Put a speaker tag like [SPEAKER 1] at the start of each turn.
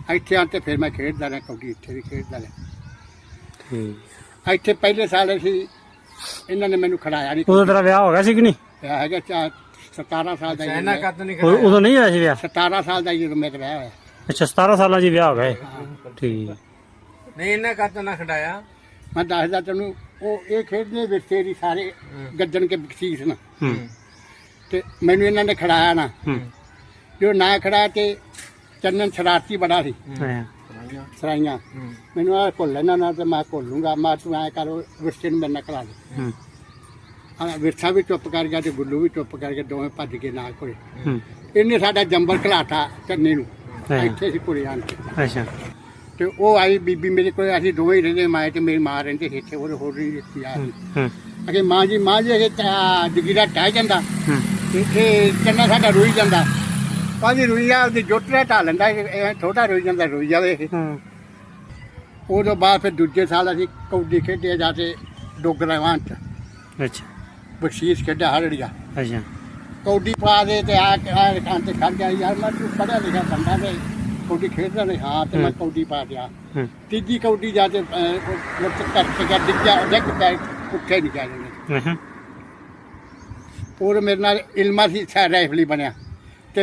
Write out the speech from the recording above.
[SPEAKER 1] ਇੱਥੇ ਆਣ ਤੇ ਫਿਰ ਮੈਂ ਖੇਡਦਾ ਰਿਹਾ ਕਬੱਡੀ, ਇੱਥੇ ਵੀ ਖੇਡਦਾ ਰਿਹਾ।
[SPEAKER 2] ਠੀਕ।
[SPEAKER 1] ਇੱਥੇ ਪਹਿਲੇ ਸਾਲ ਅਸੀਂ ਇਹਨਾਂ ਨੇ ਮੈਨੂੰ ਖੜਾਇਆ ਨਹੀਂ।
[SPEAKER 2] ਉਦੋਂ ਤੇਰਾ ਵਿਆਹ ਹੋ ਗਿਆ ਸੀ ਕਿ ਨਹੀਂ?
[SPEAKER 1] ਹੈਗਾ 17 ਸਾਲ ਦਾ
[SPEAKER 3] ਇਹਨਾਂ ਕੱਤ ਨਹੀਂ
[SPEAKER 2] ਉਦੋਂ ਨਹੀਂ ਹੋਇਆ ਸੀ ਵਿਆਹ?
[SPEAKER 1] 17 ਸਾਲ ਦਾ ਜਦੋਂ ਮੇਰਾ ਵਿਆਹ ਹੋਇਆ।
[SPEAKER 2] ਅੱਛਾ 17 ਸਾਲਾਂ 'ਚ ਹੀ ਵਿਆਹ ਹੋ ਗਿਆ। ਠੀਕ।
[SPEAKER 3] ਨਹੀਂ ਇਹਨਾਂ ਕੱਤ ਨਾ ਖੜਾਇਆ।
[SPEAKER 1] ਮੈਂ ਦੱਸਦਾ ਤੈਨੂੰ, ਉਹ ਇਹ ਖੇਡਦੇ ਵਿਰਸੇ ਦੀ ਸਾਰੇ ਗੱਜਣ ਕੇ ਬਖਸ਼ੀਸ਼ ਨਾ, ਤੇ ਮੈਨੂੰ ਇਹਨਾਂ ਨੇ ਖੜਾਇਆ ਨਾ। ਜੋ ਨਾ ਖੜਾ ਤੇ ਚੰਨਨ ਸ਼ਰਾਰਤੀ ਬੜਾ ਸੀ, ਸਰਾਈਆਂ ਮੈਨੂੰ ਆ ਘੁੱਲ ਇਹਨਾਂ ਨਾਲ, ਤੇ ਮੈਂ ਘੁੱਲ ਲੂੰਗਾ। ਮੈਂ ਤੂੰ ਐਂ ਕਰ ਵਿਰਸੇ ਨੂੰ ਮੇਰੇ ਨਾਲ ਖੜਾ ਦੇ। ਵਿਰਸਾ ਵੀ ਚੁੱਪ ਕਰ ਗਿਆ ਤੇ ਗੁੱਲੂ ਵੀ ਚੁੱਪ ਕਰ ਗਿਆ, ਦੋਵੇਂ ਭੱਜ ਕੇ ਨਾਲ ਕੋਲੇ। ਇਹਨੇ ਸਾਡਾ ਜੰਬਲ ਖਿਲਾਤਾ ਚੰਨੇ ਨੂੰ, ਇੱਥੇ ਸੀ ਕੁੜੀ ਆਣ ਕੇ।
[SPEAKER 2] ਅੱਛਾ।
[SPEAKER 1] ਤੇ ਉਹ ਆਈ ਬੀਬੀ ਮੇਰੇ ਕੋਲ, ਅਸੀਂ ਦੋਵੇਂ ਹੀ ਰਹਿੰਦੇ, ਮੈਂ ਤੇ ਮੇਰੀ ਮਾਂ ਰਹਿੰਦੇ ਸੀ ਇੱਥੇ। ਉਹ ਹੋਰ ਨਹੀਂ ਦਿੱਤੀ ਆ ਅਗੇ ਮਾਂ ਜੀ ਅਗੇ ਜਗੀਰਾ ਟਹਿ ਜਾਂਦਾ ਤੇ ਇਹ ਚੰਨਾ ਸਾਡਾ ਰੋਈ ਜਾਂਦਾ। ਪਾਜੀ ਰੋਈ ਆ, ਉਹਦੀ ਜੋਟਰਾ ਢਾ ਲੈਂਦਾ, ਛੋਟਾ ਰੋਈ ਜਾਂਦਾ, ਰੋਈ ਜਾਵੇ। ਉਦੋਂ ਬਾਅਦ ਫਿਰ ਦੂਜੇ ਸਾਲ ਅਸੀਂ ਕਬੱਡੀ ਖੇਡੇ ਜਾ ਕੇ ਡੋਗਰਾਵਾਂ 'ਚ।
[SPEAKER 2] ਅੱਛਾ।
[SPEAKER 1] ਬਖਸ਼ੀਸ਼ ਖੇਡਿਆ ਹਰੜੀਆ।
[SPEAKER 2] ਅੱਛਾ।
[SPEAKER 1] ਕਬੱਡੀ ਪਾ ਦੇ ਤੇ ਆ ਖਾਂ ਤੇ ਖੜ ਗਿਆ। ਯਾਰ ਮੈਂ ਤੂੰ ਪੜ੍ਹਿਆ ਲਿਖਿਆ ਬੰਦਾ ਤੇ ਕਬੱਡੀ ਖੇਡਦਾ ਨਹੀਂ। ਹਾਂ ਤੇ ਮੈਂ ਕਬੱਡੀ ਪਾ ਗਿਆ। ਤੀਜੀ ਕਬੱਡੀ ਜਾ ਕੇ ਕਰਕੇ ਡਿੱਗਿਆ, ਡਿੱਗ ਪੈ ਉੱਠੇ ਨਹੀਂ ਜਾ ਜਾਂਦੇ। ਹੋਰ ਮੇਰੇ ਨਾਲ ਇਲਮਾ ਸੀ ਰਾਈਫਲੀ ਬਣਿਆ।